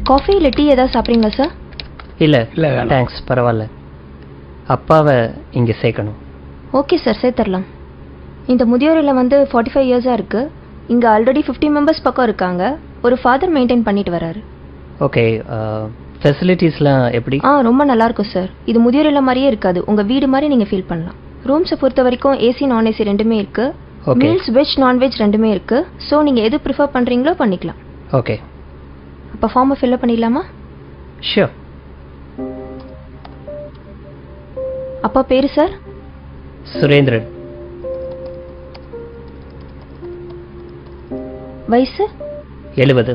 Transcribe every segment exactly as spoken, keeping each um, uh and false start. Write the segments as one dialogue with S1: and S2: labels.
S1: Coffee இல்லை tea ஏதாவது சாப்பிட்றீங்களா சார்?
S2: இல்லை இல்லை தேங்க்ஸ், பரவாயில்ல. அப்பாவை இங்கே சேர்க்கணும்.
S1: ஓகே சார், சேர்த்துடலாம். இந்த முதியோர் இல்லம் வந்து ஃபார்ட்டி ஃபைவ் இயர்ஸாக இருக்குது. இங்கே ஆல்ரெடி ஃபிஃப்டி மெம்பர்ஸ் பக்கம் இருக்காங்க. ஒரு ஃபாதர் மெயின்டைன் பண்ணிட்டு வராரு.
S2: ஓகே, ஃபெசிலிட்டிஸ்லாம் எப்படி?
S1: ஆ ரொம்ப நல்லாயிருக்கும் சார். இது முதியோர் இல்லம் மாதிரியே இருக்காது, உங்கள் வீடு மாதிரி நீங்கள் ஃபீல் பண்ணலாம். ரூம்ஸை பொறுத்த வரைக்கும் ஏசி நான் ஏசி ரெண்டுமே இருக்குது. மீல்ஸ் வெஜ் நான்வெஜ் ரெண்டுமே இருக்குது. ஸோ நீங்கள் எது ப்ரிஃபர் பண்ணுறீங்களோ பண்ணிக்கலாம்.
S2: ஓகே,
S1: அப்போ ஃபார்மை ஃபில்அப் பண்ணிடலாமா?
S2: ஷியோர்.
S1: அப்பா பேர் சார்?
S2: சுரேந்திரன்.
S1: வயசு? எழுபது.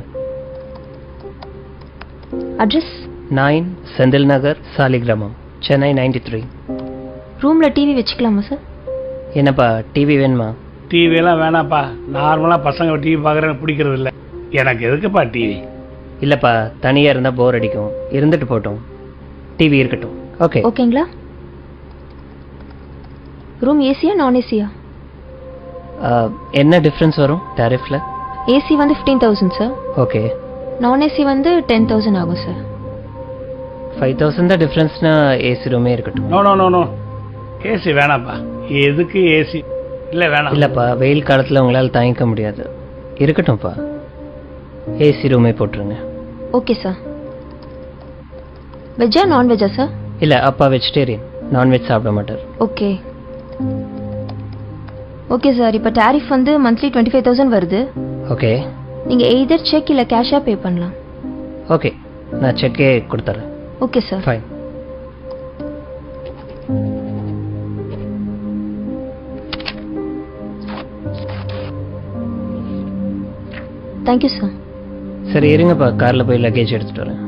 S1: Address? Nine
S2: Senthil Nagar, Saligramam, Chennai ninety three.
S1: ரூமில் டிவி வச்சுக்கலாமா சார்?
S2: என்னப்பா டிவி வேணுமா?
S3: டிவியெல்லாம் வேணாப்பா. நார்மலாக பசங்க டிவி பார்க்குறேன்னு பிடிக்கிறது இல்லை. எனக்கு எதுக்குப்பா டிவி?
S2: இல்லைப்பா, தனியாக இருந்தால் போர் அடிக்கும். இருந்துட்டு போட்டோம், டிவி இருக்கட்டும். ஓகே
S1: ஓகேங்களா? ரூம் ஏசியா நான் ஏசியா?
S2: என்ன டிஃப்ரென்ஸ் வரும் டாரிஃபில்?
S1: ஏசி வந்து ஃபிஃப்டீன் தௌசண்ட் சார்.
S2: ஓகே.
S1: நான் ஏசி வந்து டென் தௌசண்ட் ஆகும் சார்.
S2: ஃபைவ் தௌசண்ட் தான் டிஃப்ரென்ஸ்னா ஏசி ரூமே இருக்கட்டும்.
S3: No no no no AC வேணாப்பா. எதுக்கு ஏசி? இல்லை வேணாம்.
S2: இல்லைப்பா, வெயில் காலத்தில் உங்களால் தாங்கிக்க முடியாது. இருக்கட்டும்ப்பா, ஏசி ரூமே போட்டுருங்க.
S1: Okay sir. வெஜ்ஜா நான்வெஜ்ஜா சார்?
S2: இல்லை, அப்பா வெஜிடேரியன், நான்வெஜ் சாப்பிட மாட்டார்.
S1: Okay okay sir. இப்போ டாரிஃப் வந்து மந்த்லி டுவெண்ட்டி ஃபைவ் தௌசண்ட் வருது.
S2: ஓகே.
S1: நீங்கள் எய்தர் செக் இல்லை கேஷாக பே பண்ணலாம்.
S2: ஓகே, நான் செக்கே கொடுத்துட்றேன்.
S1: Okay sir.
S2: Fine.
S1: Thank you sir.
S2: சரி இருங்கப்பா, காரில் போய் லக்கேஜ் எடுத்துகிட்டு வரேன்.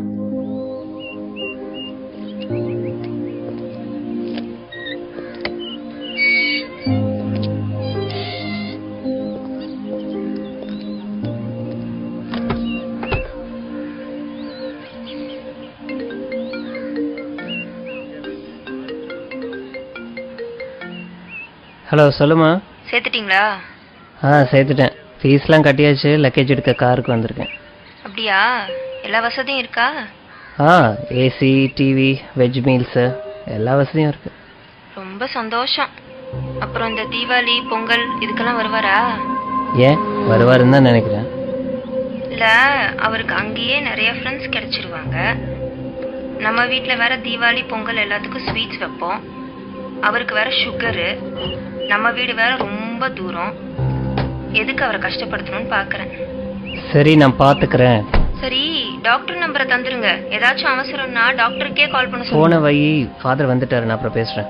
S2: ஹலோ, சொல்லுமா.
S1: சேர்த்துட்டிங்களா?
S2: ஆ சேர்த்துட்டேன். ஃபீஸ்லாம் கட்டியாச்சு. லக்கேஜ் எடுக்க காருக்கு வந்திருக்கேன்.
S1: அப்படியா? எல்லா வசதியும் இருக்கா?
S2: ஆ ஏசி, டிவி, வெஜ் மீல்ஸு எல்லா வசதியும் இருக்கு.
S1: ரொம்ப சந்தோஷம். அப்புறம் இந்த தீபாவளி பொங்கல் இதுக்கெல்லாம் வருவாரா?
S2: ஏன் வருவாருன்னு தான் நினைக்கிறேன்.
S1: இல்லை, அவருக்கு அங்கேயே நிறைய ஃப்ரெண்ட்ஸ் கிடைச்சிருவாங்க. நம்ம வீட்டில் வேற தீபாவளி பொங்கல் எல்லாத்துக்கும் ஸ்வீட்ஸ் வைப்போம். அவருக்கு வேற சுகரு. நம்ம வீடு வேற ரொம்ப தூரம். எதுக்கு அவரை கஷ்டப்படுத்தணும்னு பார்க்குறேன்.
S2: சரி, நான் பார்த்துக்கிறேன்.
S1: சரி, டாக்டர் நம்பரை தந்துருங்க. ஏதாச்சும் அவசரம்னா டாக்டருக்கே கால் பண்ண சொல்லுங்க.
S2: போன வை, ஃபாதர் வந்துட்டாரு, நான் அப்புறம் பேசுகிறேன்.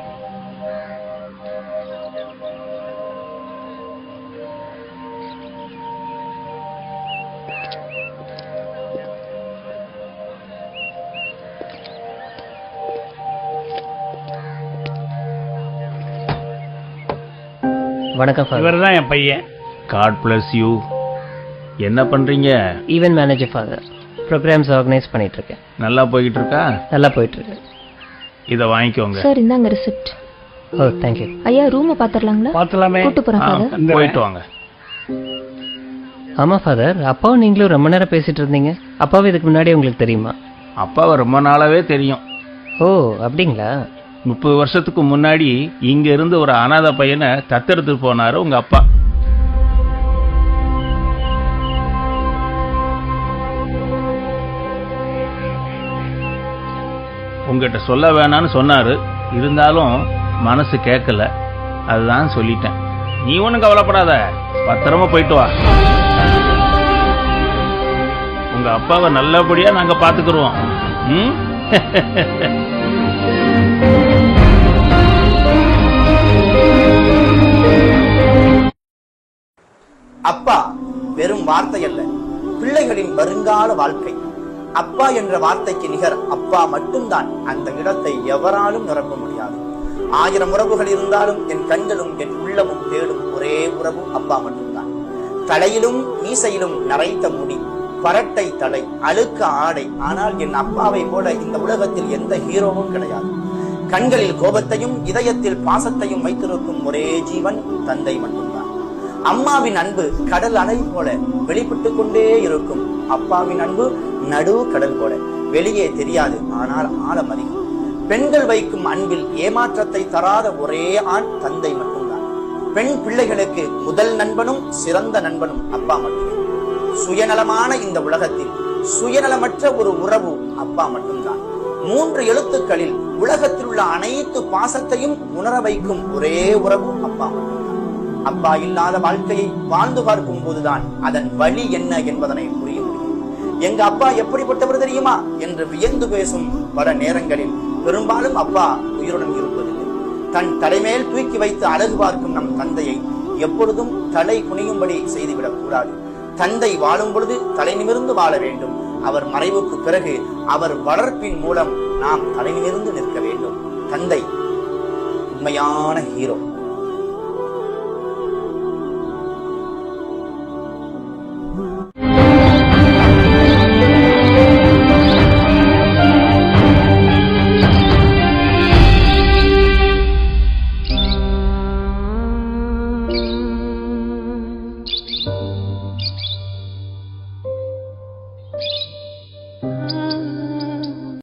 S2: வணக்கம் ஃபாதர்.
S3: இவர் தான் என் பையன்.
S4: God bless you. என்ன பண்றீங்க?
S2: Event manager father. Programmes organise பண்ணிட்டு இருக்கேன்.
S4: நல்லா போய்கிட்டு இருக்கா?
S2: நல்லா போயிட்டு இருக்கு.
S4: இதை வாங்கிக்கோங்க.
S1: சார் இந்தாங்க ரிசிப்ட்.
S2: ஓ தேங்க்யூ.
S1: ஐயா ரூமை பார்த்துடலாங்களா?
S3: பார்த்துலாமே.
S1: கூட்டு போகிறேன் ஃபாதர்.
S4: போயிட்டு வாங்க.
S2: ஆமாம் ஃபாதர், அப்பாவும் நீங்களும் ரொம்ப நேரம் பேசிட்டு இருந்தீங்க. அப்பாவும் இதுக்கு முன்னாடி உங்களுக்கு தெரியுமா?
S4: அப்பாவை ரொம்ப நாளாவே தெரியும்.
S2: ஓ அப்படிங்களா?
S4: முப்பது வருஷத்துக்கு முன்னாடி இங்க இருந்து ஒரு அனாதை பையனை தத்தெடுத்து போனாரு உங்க அப்பா. உங்ககிட்ட சொல்ல வேணான்னு சொன்னாரு. இருந்தாலும் மனசு கேட்கல. அதுதான் சொல்லிட்டேன். நீ ஒன்றும் கவலைப்படாத, பத்திரமா போயிட்டு வா. உங்க அப்பாவை நல்லபடியா நாங்க பாத்துக்கிறோம். ம்
S5: அப்பா வெறும் வார்த்தை அல்ல, பிள்ளைகளின் வருங்கால வாழ்க்கை. அப்பா என்ற வார்த்தைக்கு நிகர் அப்பா மட்டும்தான். அந்த இடத்தை எவராலும் நிரப்ப முடியாது. ஆயிரம் உறவுகள் இருந்தாலும் என் கண்களும் என் உள்ளமும் தேடும் ஒரே உறவு அப்பா மட்டும்தான். தலையிலும் மீசையிலும் நரைத்த முடி, பரட்டை தலை, அழுக்க ஆடை. ஆனால் என் அப்பாவை போல இந்த உலகத்தில் எந்த ஹீரோவும் கிடையாது. கண்களில் கோபத்தையும் இதயத்தில் பாசத்தையும் வைத்திருக்கும் ஒரே ஜீவன் தந்தை மட்டும்தான். அம்மாவின் அன்பு கடல் அலை போல வெளிப்பட்டு கொண்டே இருக்கும். அப்பாவின் அன்பு நடு கடல் போல வெளியே தெரியாது, ஆனால் ஆழம் அதிகம். பெண்கள் வைக்கும் அன்பில் ஏமாற்றத்தை தராத ஒரே ஆண் தந்தை மட்டும்தான். பெண் பிள்ளைகளுக்கு முதல் நண்பனும் சிறந்த நண்பனும் அப்பா மட்டுமே. சுயநலமான இந்த உலகத்தில் சுயநலமற்ற ஒரு உறவு அப்பா மட்டும்தான். மூன்று எழுத்துக்களில் உலகத்தில் உள்ள அனைத்து பாசத்தையும் உணர வைக்கும் ஒரே உறவு அப்பா மட்டும்தான். அப்பா இல்லாத வாழ்க்கையை வாழ்ந்து பார்க்கும் போதுதான் அதன் வழி என்ன என்பதனை புரிய முடியும். எங்க அப்பா எப்படிப்பட்டவர் தெரியுமா என்று வியந்து பேசும் பல நேரங்களில் பெரும்பாலும் அப்பா உயிருடன் இருப்பதில்லை. தன் தலைமேல் தூக்கி வைத்து அழகு பார்க்கும் நம் தந்தையை எப்பொழுதும் தலை குனியும்படி செய்துவிடக் கூடாது. தந்தை வாழும் பொழுது தலை நிமிர்ந்து வாழ வேண்டும். அவர் மறைவுக்கு பிறகு அவர் வளர்ப்பின் மூலம் நாம் தலை நிமிர்ந்து நிற்க வேண்டும். தந்தை உண்மையான ஹீரோ.